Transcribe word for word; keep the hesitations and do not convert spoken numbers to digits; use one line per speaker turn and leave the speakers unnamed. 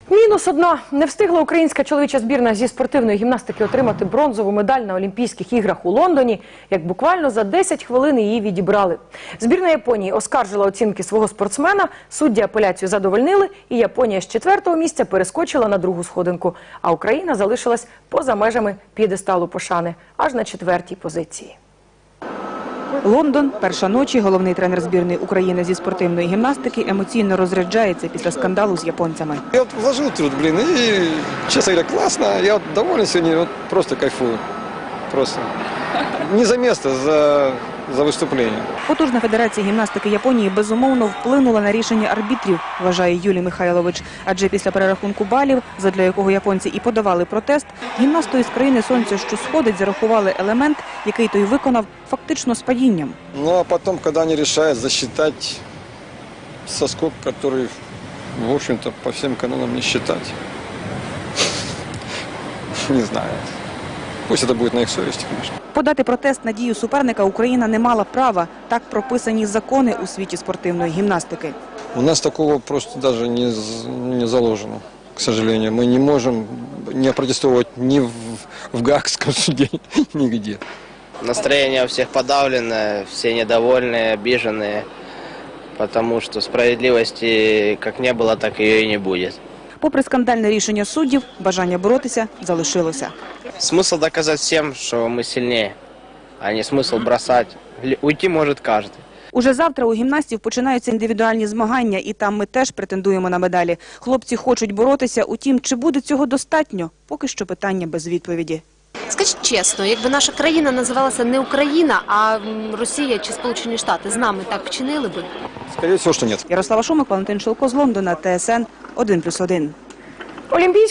Мінус одна. Не встигла українська чоловіча збірна зі спортивної гімнастики отримати бронзову медаль на Олімпійських іграх у Лондоні, як буквально за десять хвилин її відібрали. Збірна Японії оскаржила оцінки свого спортсмена, судді апеляцію задовольнили, і Японія з четвертого місця перескочила на другу сходинку. А Україна залишилась поза межами п'єдесталу пошани, аж на четвертій позиції.
Лондон, перша ночі, головний тренер збірної України зі спортивної гімнастики емоційно розряджається після скандалу з японцями.
Я вот вложил труд, блин, и, честно говоря, классно. Я вот доволен сегодня, вот просто кайфую. Просто. Не за место, за, за выступление.
Потужна федерація гімнастики Японії безумовно вплинула на рішення арбітрів, вважає Юлій Михайлович. Адже після перерахунку балів, задля якого японці і подавали протест, гімнасту із країни сонця, що сходить, зарахували елемент, який той виконав фактично з падінням.
Ну а потом, когда они решают засчитать соскок, который, в общем-то, по всем канонам не считать. Не знаю. Пусть это будет на их совести, конечно.
Подати протест на дію суперника Україна не мала права. Так прописані закони у світі спортивної гімнастики.
У нас такого просто даже не, не заложено, к сожалению. Мы не можем не протестовать ни в, в Гаагском суде, нигде.
Настроение у всех подавленное, все недовольные, обиженные, потому что справедливости как не было, так ее и не будет.
Попри скандальне рішення суддів, бажання боротися залишилося.
Смысл доказать всем, что мы сильнее, а не смысл бросать. Уйти может каждый.
Уже завтра у гімнастів починаються індивідуальні змагання, і там ми теж претендуємо на медалі. Хлопці хочуть боротися, утім, чи буде цього достатньо? Поки що питання без відповіді.
Скажіть чесно, якби наша країна називалася не Україна, а Росія чи Сполучені Штати, з нами так вчинили би?
Скорее всего, что нет.
Ярослава Шумик, Валентин Шилко з Лондона, Т С Н один плюс один.
Олімпійські